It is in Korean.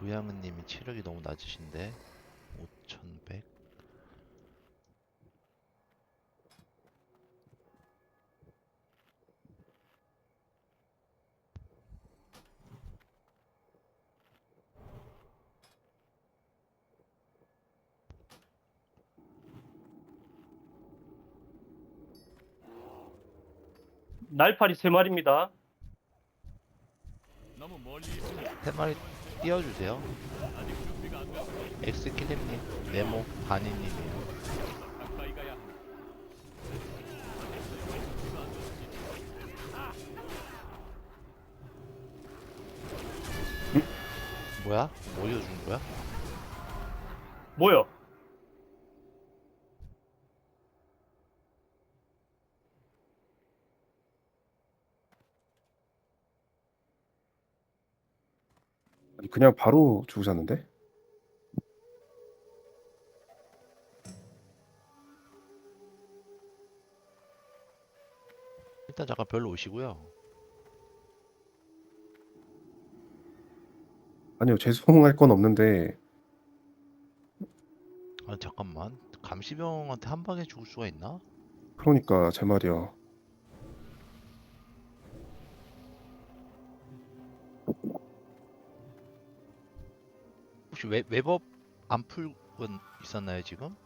도양은님이 체력이 너무 낮으신데 5100. 날파리 3마리입니다. 너무 멀리 있습니다. 세 마리 띄워주세요. 아직 준비가 안 됐습니다. 엑스킬렘님, 네모, 바니님이에요. 가까이 가야 합니다. 뭐야? 뭐 이어준 거야? 뭐야? 아니, 그냥 바로 죽으셨는데? 일단 잠깐 별로 오시고요. 아니요, 죄송할 건 없는데, 아 잠깐만. 감시병한테 한 방에 죽을 수가 있나? 그러니까 제 말이요. 혹시 웹업 안 풀은 있었나요 지금?